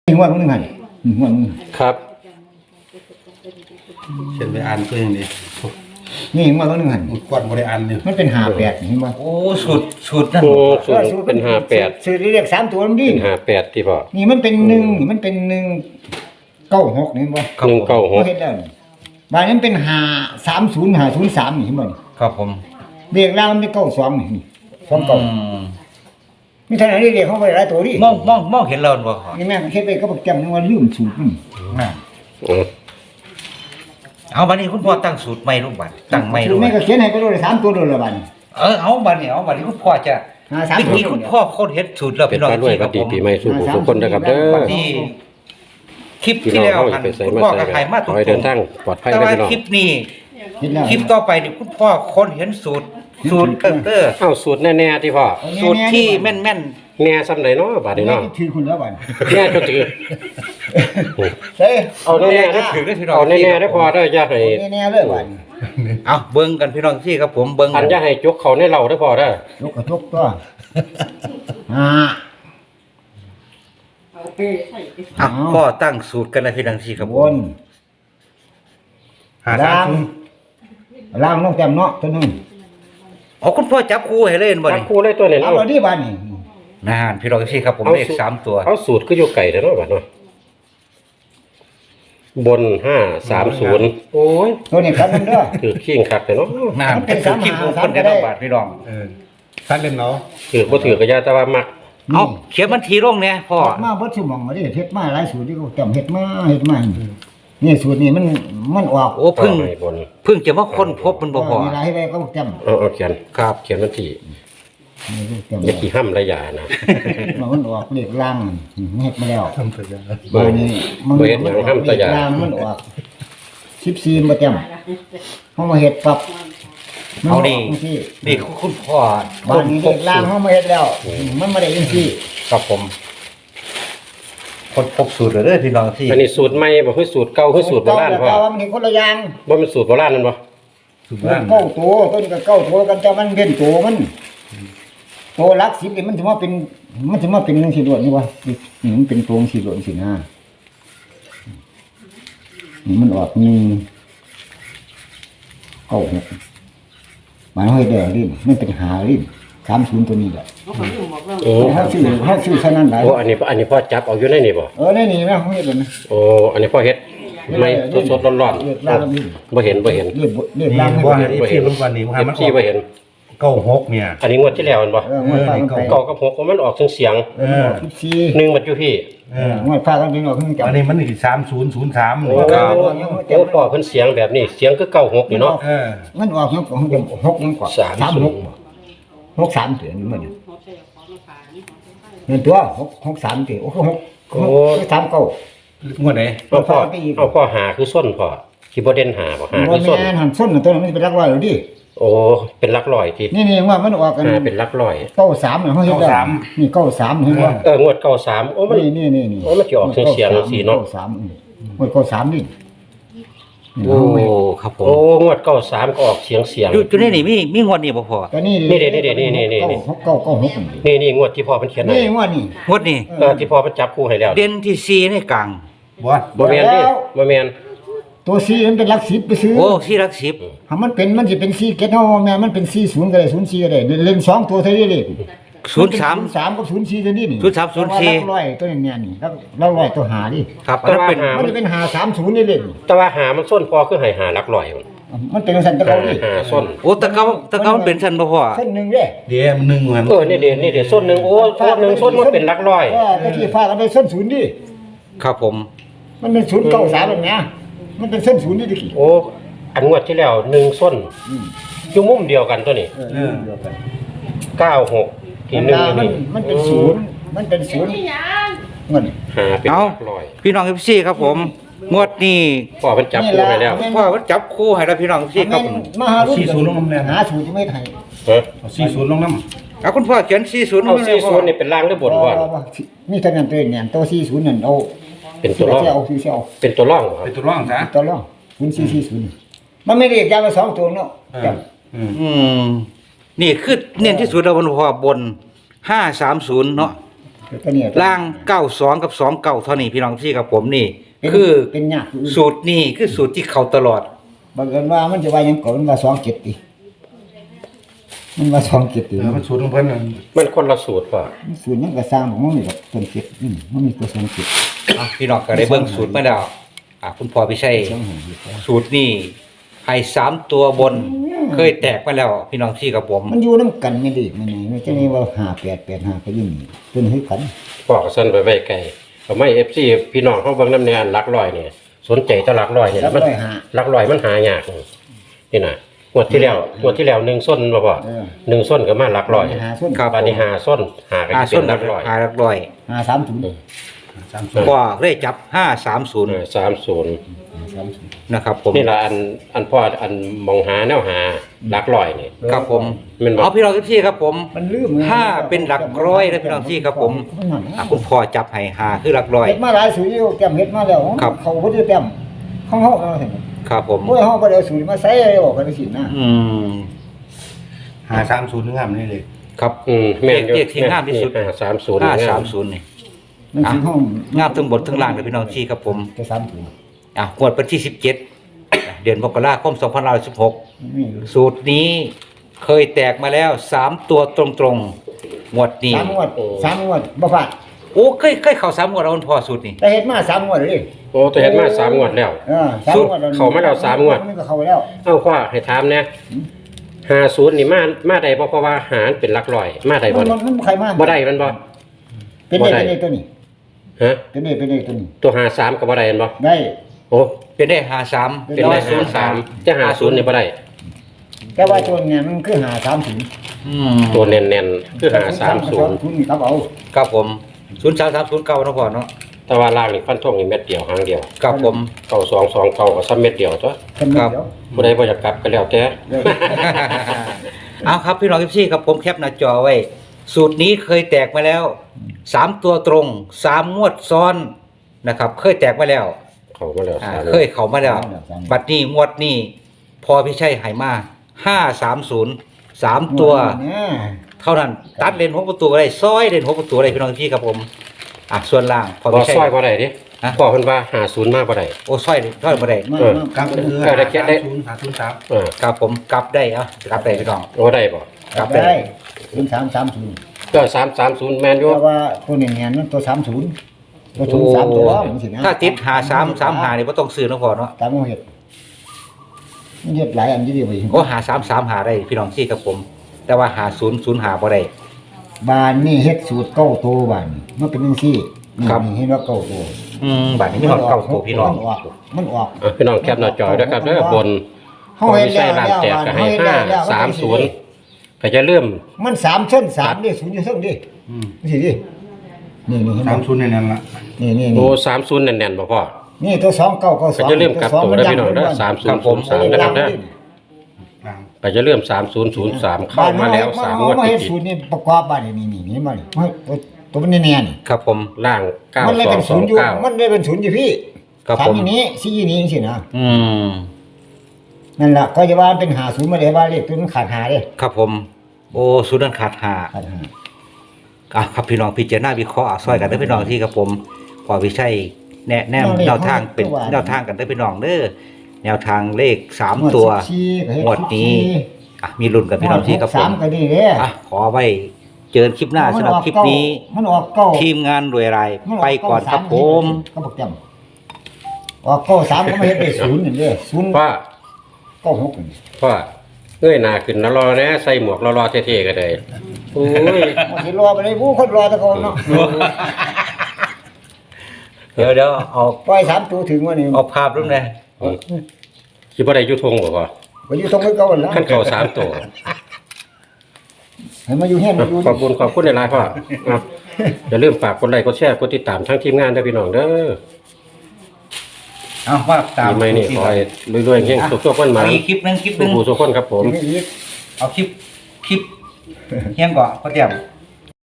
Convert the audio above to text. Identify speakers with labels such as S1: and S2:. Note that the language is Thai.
S1: หัวมึงหันหัวมึง
S2: ครับ
S3: เช่นไปอ่านตัวอย่างนี้
S1: นี่หัวมึงหัน
S3: มุดกวนบริอ่านเนี่ย
S1: มันเป็น58เห็นบ่
S3: โอ้สุดนั่น
S2: โอ้สูตรเป็น58
S1: ซื้อเรียก3ตัวมันดิ
S2: เป็น58ที่พ่อ
S1: นี่มันเป็น1นี่มันเป็น196นี่เห็นบ่เฮ็ดแล้วนี่บ้านนั้นเป็น530 503นี่เห็นบ่นี่
S3: ครับผม
S1: เรียกล่างมันเป็น92นี่29มีเท่านั้นเรียกเขาไว้หลายตัวดิ
S3: มองเห็นเราบ่ครับ
S1: นี่แม่เฮ็ดไปก็บ่แก้มนึงว่าลืมสูตรมัน
S3: น่ะ
S2: อือ
S3: เอาบัดนี้คุณพ่อตั้งสูตรใหม่ลูกบัดตั้งใหม่ลูก
S1: แม่ก็เขียนให้ไปเลย3ตัวเลยละบัด
S3: เอาบัดนี้คุณพ่อจะ
S1: 3
S3: นี่
S1: ตัว
S3: คุณพ่อคนเฮ็ดสูตรแล้ว
S2: เป็น
S3: พี่น้อง
S2: การด้วยปฏิปีใหม่สู่ผู้ทุกคนนะครับเด้อ
S3: นี่คลิป
S2: พี่
S3: ที่
S2: น้อง
S3: แล้ว
S2: เฮาจะไปใส่
S3: คุณ
S2: มา
S3: พ่อ
S2: ใส่
S3: ก็ขายมาต
S2: ข
S3: ร
S2: อให้เดินทาง
S3: ง
S2: ปลอดภัย
S3: แต่
S2: นะ
S3: ว่า
S2: พี่น้อง
S3: คลิปนี้
S1: เฮ็ดแล้ว
S3: คลิปต่อไปนี่คุณพ่อคนเห็นสูตรเด้อ
S2: เอ้าสูตรแน่ๆที่พ่อ
S3: สูตรที่แม่น
S2: แน่ซำใดเนาะบาดนี้
S1: แม่
S2: เนาะ
S1: ถือคุณแล้วบัด
S2: แน่ก็ถือ
S1: เฮ้
S2: เอาแน่ๆนะเอาแน่ๆได้พอได้อย่าให้
S1: แน่ๆเลยบัด
S3: ๆเอาเบิ่งกันพี่น้องที่ครับผมเบิ่ง
S2: อันอย่าให้จกเขาในเราได้พอได้
S1: ยกกระทบตัวอ่า
S3: พ่อตั้งสูตรกันนะพี่น้องที่ครับ
S1: บ
S3: ผม
S1: นล่างล่างน้องแต้มเนาะตัวนึง
S3: อ๋อคุณพ่อจับคู่ให้เล่นบ่
S2: ตั
S3: นี่
S2: กคู่เลยตัวนี้
S1: เอา
S2: เนาะ
S1: ละดิบัดนี่
S3: นานพี่น้องที่ครับผมเลข3ตัว
S2: เอาสูตรคืออยู่ไก่เด้อเนาะบาดเนาะบน530โอ้ย
S1: ตัวนี้ครับมันเด้อ
S2: ถือขิงคักแต่เนาะ
S3: นานเป็นสูตรที่ผมคนได้น้องบาทพี่น้อง
S4: ท่านเล่นเนาะ
S2: ถือบ่ถือก็อย่าแต่ว่ามัก
S3: เอาเขียนบันทีลงเนี่ยพ่อ
S1: เฮ็ดมาเบิดสมองมาดิเฮ็ดมาหลายสูตรที่เขาจำเฮ็ดมานี่สูตรนี้มันออก
S3: โอ้เพิ่ง
S2: ให้บน
S3: เพิ่งจะมาค้นพบมันบ่พอ
S1: มีหลายให้เขาจำ
S2: เอาเขียน
S3: ครับ
S2: เขียนวันที่
S1: นี่จำ
S2: อย่าขี้ห้ำระยะนะ
S1: มันออกเลขล่างเฮ็ดมาแล้ว
S4: ทำเถอะนะ
S1: บัดนี้มัน
S2: บ่เฮ็ดหยังห้ำ
S1: เล
S2: ตะ
S1: ข
S2: ยา
S1: ล่างมันออก14บ่จำเฮามาเฮ็ดปรับมัน
S3: เอานี่
S1: กจังซี่
S3: นี่คุณพ่อ
S1: บ้านนี้เด็กล่างเขามาเฮ็ดแล้ว มันไม่ได้ยินซี่
S3: ครับผมคนพบสูตรเด้อพี่น้องที่
S2: อันนี้สูตรใหม่บ่คือสูตรเก่าคือสูตรโบราณพ่อ
S1: แต่ว่ามันเห็นคนละอย่าง
S2: บ่เป็นสูตรโบราณนั่นบ่
S4: สุ
S1: มัน
S4: บ้าน
S1: เก้าตัวต้นก็เก้าตัวกันแต่มันเป็นตัวมันตัวหลักสิบนี่มันจะมาเป็นจังซี่ล้วนนี่วะนี่มันเป็นตัวจังซี่ล้วนสินะนี่มันออกเก้าหกหมายให้ได้ลิ้นมันเป็นหาลิ้น30ตัวนี้แหละ
S2: โอ้
S1: เฮาซื้อซะนั้นได้
S2: โอ้อันนี้พ่อจับเอาอยู่ในนี่บ่
S1: ในนี่แม่เขาเฮ็ดเลยนะ
S2: โอ้อันนี้พ่อเฮ็ดไม่สดๆร้อน
S1: เรียกล่างนี่
S2: ๆบ่เห็น
S1: เรียก
S4: นี่
S1: ล่าง
S4: ว่า
S1: ให้
S4: อีที่รุ่นวันนี้มัน
S2: FC บ่เห็น
S4: 96เนี่ย
S2: อันนี้งวดที่แล้วมันบ่
S1: งวดฟ้ากันไป
S2: เก่ากับ6มันออกเสียง
S1: 14
S2: หนึ่งมันอยู่พี่
S1: งวดฟ้ากันไปออกขึ้นจับ
S4: อันนี้มันอี3003
S2: โอ้โอ้พ่อเพิ่นเสียงแบบนี้เสียงคือ96นี่เนาะ
S1: มันออกยังของจะ6ยังกว่า 36 63ตัวนี่มันเงินตัว63ตัวโอ้6 39
S4: งวดไหน
S2: เอาพ่อหาคือส้นพ่อที่บ่เด่นหาบ่หา
S1: บ่
S2: คือส้น
S1: แม่นหันส้นตัวนั้นมันเป็นรักร้อยแล้วดิ
S2: โอ้เป็นหลักร้อยที่
S1: นี่ว่ามันออกกัน
S2: หาเป็นหลักร้อย
S1: 93เนี่ยเฮาเฮ็ดได้นี่93เห็นบ่
S2: งวด93โอ้มัน
S1: นี่
S2: โอ้มันสิออกเสียงสีเนาะ
S1: 93งวด93นี่
S3: โอ้ครับผม
S2: โอ้งวด93ก็ออกเสียง
S3: อยู่ในนี่มีงวดนี้บ่พอ
S1: ก็นี่
S2: นี่งวดที่พ่อเพิ่นเขียนให้
S1: นี่งวดนี่
S3: งวดนี้
S2: ที่พ่อเพิ่นจับคู่ให้แล้ว
S3: เด่นที่4ในกลาง
S4: บ่
S2: บ่แม่นดิบ่แม่น
S1: ตัวซีมันเป็นหลัก10ไปซื้อ
S3: โอ้ที่รัก10
S1: ถ้ามันสิเป็น4เกตเฮาแม่มันเป็น40ก็ได้04ก็ได้เล่น2ตัวเท่านี้เลย
S3: 03
S1: 3กับ04ตัวนี้นี่
S3: 03 04
S1: ร้อยตัวนี้เนี่ยนี่แล้วร้อยตัวหาดิ
S3: ครับอันนั้นเป็น
S1: มันจะเป็นหา30นี่เลย
S2: แต่ว่าหามันส้นพ่อคือให้หาหลักร้อย
S1: มันเป็นสันตะเกาดิ
S2: หาส้น
S3: โอ้ตะเกามันเป็นซั่นบ่พ่อ
S1: เส้นนึงเด้
S4: เดี๋ยวมัน1มัน
S2: นี่เด้ส้นนึงโอ้ส้นนึงส้นมันเป็นหลักร้อย
S1: ก็ที่ฟ้ากันไปส้น0ดิ
S3: ครับผม
S1: มันเป็น093แบบเนี้ยมันเป็นเส้น0นี่ดิ
S2: โอ้อันงวดที่แล้ว1ส้นอยู่มุมเดียวกันตัวนี้96ที่1นี่
S1: มันเป็น0มันเป็น0เงิน
S2: หาเป็นหลักร้อย
S3: พี่น้อง FC ครับผมงวดนี้
S2: พ่อเพิ่นจับคู่ให้แล้ว
S3: พ่อมันจับคู่ให้แล้วพี่น้อง FC ครับผม
S1: มาหารุ่นหาสูตรที่ไม่ไทย
S2: ฮะ
S4: 40ลงน้
S3: เอาคุณพ่อเขียน40
S2: เอา
S3: ไว้ให้พ่อ
S2: 40นี่เป็นล่างหรือบนพ่อ
S1: มีเท่านั้นตัวเนี่ยตัว40นั่นเอา
S2: เป็นตัวร่อง
S1: เอาคือเอา
S2: เป็นตัวร่องบ่ค
S4: ำ
S2: รับ
S4: เป็นตัวร่องซะ
S1: ตัวรอง0440มันไม่ได้ยาวมา2ตัวเนาะจับ
S4: อื
S3: นี่คือเน้นที่สุดแล้วมันพอบน530เนาะ
S1: ตัวนี้
S3: ล่าง92กับ29เท่านี้พี่น้องที่กับผมนี่
S1: เป็น
S3: คือ
S1: เป็นยาก
S3: สูตรนี่คือสูตรที่เขาตลอด
S1: บังเอิญว่ามันจะว่าหยังก่อนมันว่า27ติมันว่า27ติ
S4: มันสูตรของเพิ่นน่ะ
S2: มันคนละสูตรพ่อ
S1: ส่วนนั้นก็สร้างของมันนี่กับต้น7มันมีตัว27
S3: อ่ะพี่น้องก็ได้เบิ่งสูตรมาแล้วคุณพ่อพี่ชัย
S1: 2หาอยู่แล้ว
S3: สูตรนี่ให้3ตัวบน เคยแตกมาแล้วพี่น้องที่กับผม
S1: มันอยู่นํกันไม่ดีมันนี่มันจะนี่ว่า5885ก็อยู่นี่เป็นคือกัน
S2: พ่อก็สั่นไปไว้ไกลทำไม FC พี่น้องเขาเบิ่งนำแนวหลักร้อยนี่สนใจแต่หลักร้อยนี่
S1: รับ
S2: มัน
S1: ร้อยหา
S2: หลักร้อยมันหายากนี่น่ะงวดที่แล้ว1ส้นบ่พ่อ
S1: เออ
S2: 1ส้นก็มาหลักร้อย
S1: หาส้น
S3: ครับ
S2: บาดนี้5ส้นหาก็
S3: หา
S2: สิ
S3: ส้
S2: เป็น นหลักร้อย
S3: หาหลักร้อย
S1: 530
S4: 30
S3: ก็เลยจับ530
S2: 30
S3: นะครับผม
S2: นี่ละอันพ่ออันมองหาแนวหาหลักร้อยนี่
S3: ครับผม
S2: แม่นบ่
S3: เอาพี่น้องที่ครับผม
S1: มันลืม
S3: ห้าเป็นหลักร้อยนะพี่น้องที่ครับผมคุณพ่อจับให้5คือหลักร้อย
S1: เฮ็ดมาหลายสูตรอยู่เต็มเฮ็ดมาแล้ว
S3: ครับ
S1: เขาบ่ได้เต็มของเฮาเอาเห็น
S3: ครับผม
S1: โอ้ยเฮาบ่ได้เอาสูตรมาใส่ออกกันสินะ
S3: อืม
S4: 530งามนี่เลย
S3: ครับ
S2: แม่นอยู่
S3: เลขที่งามที่สุด
S2: 530
S3: 530นี่
S1: มันสิห้อง
S3: งามทั้งบนทั้งล่างเลยพี่น้องที่ครับผม
S1: จะ30
S3: งวดวันที่17เดือนมกราคม2516
S1: นี่
S3: สูตรนี้เคยแตกมาแล้ว3ตัวตรงๆงวดนี้
S1: 3งวดบ่พลาด
S3: โอ้เคยเข้า3งวดแล้วคุณพ่อสูตรนี้
S1: แต่เฮ็ดมา3งวดเลย
S2: โอ้แต่เห็นมา3งวดแล้ว
S1: 3งวด
S2: เข้ามาแล้ว3งวด
S1: มันก็เข้าแล้ว
S2: เอ้าพ่อให้ถามแหน่50นี่มาได้บ่เพราะว่าหารเป็นหลักร้อยมาได้บ่
S1: มันใครมา
S2: บ่ได้มันบ่
S1: เป็นได้ตัวนี้
S2: ฮะ
S1: เป็นได้ตัวนี้
S2: ตัว53ก็บ่ได้แม่นบ่
S1: ได้
S2: โอ้
S3: เป็นได้53
S2: เป็นได้53แต่50นี่บ่ได้
S1: แต่ว่าตัวเนี่ยมันคือ530
S2: ตัวแน่นๆคือ530
S1: คุณครับเอา
S3: ครับผม03309เนาะพ่อเนาะ
S2: แต่ว่าล่างนี่ฟันธงนี่เม็ดเดียวหางเดียว
S3: ครับผม
S2: 9229ก็ซ้ำเม็ดเดียวตัว
S3: ครับ
S2: ผู้ใดบ่อยากกลับก็แล้วแต่
S3: เอาครับพี่น้องทุกที่ครับผมแคปหน้าจอไว้ สูตรนี้เคยแตกมาแล้ว3ตัวตรง3งวดซ้อนนะครับ เคยแตกมาแล้ว
S2: เข้ามาแล้วสาม
S3: เคยเข้ามาแล้ว บัดนี้งวดนี้พอพี่ชัยให้มา530 3ตัว เท่านั้น ตัดเลน6ประตูก็ได้ซอยเลน6ประตูก็ได้พี่น้องทุกที่ครับผมส่วนล่างพอ
S2: บ่
S3: พี่ชัย
S2: ซอยบ่ได้ดิ
S3: ฮะ
S2: พ่อเพิ่นว่า50มาบ่ได้
S3: โอ้ซอยบ่ได้
S4: กลับคือ
S2: ได้แค่ได้
S4: 503
S2: เออ
S3: ครับผมกลับได้กลับได้พี่น้อง
S2: โอ้ได้บ่
S3: กลับ
S1: ได้
S3: ได้
S1: เป็น330
S2: ก็330แม่นอยู่
S1: เพราะว่าตัวเนี่ยมันตัว30ตัวสูง3ตัวมันสินะ
S3: ถ้าติด5335นี่บ่ต้องซื้อเนาะพ่อเนาะ
S1: ตามเฮ็ดมันเฮ็ดหลายอันอยู่ดีไป
S3: โอ้5335ได้พี่น้องที่ครับผม แต่ว่า5005บ่ได้
S1: บ้านนี่เฮ็ดสูตร9ตัวบ้านนี่มันเป็นจังซี่นี่
S3: ครับ
S1: เห็นว่า9ตัว
S3: บัดนี้มีฮอดเก้าตัวพี่น้อง
S1: มันออก
S2: พี่น้องแคปหน้าจอด้วยครับเด้อบน
S1: เฮาเฮ็ดแล้ว
S2: ร้านแตกก็ให้
S1: เฮ็ดแล้ว
S2: 530ก็จะเริ่ม
S1: มัน3ชั้น3ดิ0อยู่เทิงดิสิดินี่เห็นบ่
S4: 30นั่นล่ะ
S1: นี่
S2: โอ้30แน่นๆบ่พ่อ
S1: นี่ตัว2992
S2: ก็จะเริ่มกลับตัวแล้วพี่น้องเด้อ3003นะครับเด้อ
S4: ล่าง
S2: ก็จะเริ่ม3003เข้ามาแล้ว3งวด
S1: มา
S2: ติ
S1: เฮ็ด
S2: ด
S1: สูตรนี่ประกอบบ้านนี่มานี่ตัวมันแน่ๆนี่
S3: ครับผม
S2: ล่าง
S1: มันเลยเป็นศูนย์อยู่มัน
S2: 9229
S1: เลยเป็นศูนย์อยู่พี่
S3: ครับ
S1: ทำ
S3: ผม
S1: อย่างนี้ซี่อย่างนี้สินะ
S3: อืม
S1: นั่นล่ะก็จะว่าเป็นหาศูนย์มาเลยว่าเลขตัวมันขาดหาเด้
S3: ครับผม โอ้สุดนั้นขาดหา
S1: ขาดหา
S3: ครับพี่น้องพิจารณาวิเคราะห์ซอยกันเด้อพี่น้องที่ครับผมพอวิชัยแนะแนวแนวทางเป็นแนวทางกันเด้อพี่น้องเด้อแนวทางเลข3ตัว งวดนี้ มีลุ้นกับพี่น้องที่ครับผม
S1: 3ก็ดีเด้
S3: ขอไว้เจอคลิปหน้าสำหรับคลิปนี้
S1: มันออกเก้า
S3: ทีมงานรวยรายไปก่อนครับผม
S1: ก็บอกจำออกเก้า3ก็ไม่เฮ็ดได้ศูนย์นี่เด้ศูนย์
S2: พ่อ
S1: เก้าหกนี่
S2: พ่อเอ้ยหน้าขึ้นนะรอนะใส่หมวกรอๆเท่ๆก็ได้โอ้ย
S1: มันสิรอไปเลยผู้คนรอแตะโกนเนาะ
S3: เดี๋ยวเอา
S1: ปล่อย3ตัวถึงว่านี่
S3: เอาภาพรูปเลย
S2: สิบ่ได้อยู่ทงบ่พ่อ
S1: บ่อยู่ตรงเก่าแล้ว
S2: ขั้นเข้า3ตัว
S1: ให้มาอยู่เฮียนมาอยู่
S2: ขอบคุณหลายๆพ่อครับอย่าลืมฝากกดไลค์กดแชร์กดติดตามทั้งทีมงานด้วยพี่น้องเด้อ
S3: เอาว่าตาม
S2: ปีใหม่นี่ขอให้รวยๆเฮงสุขๆกันมา
S3: เอาอีกคลิปหนึง
S2: ทุกผู้ทุกคนครับผม
S1: อีก
S3: เอาคลิปเฮียงก่อนพ่อเตรียม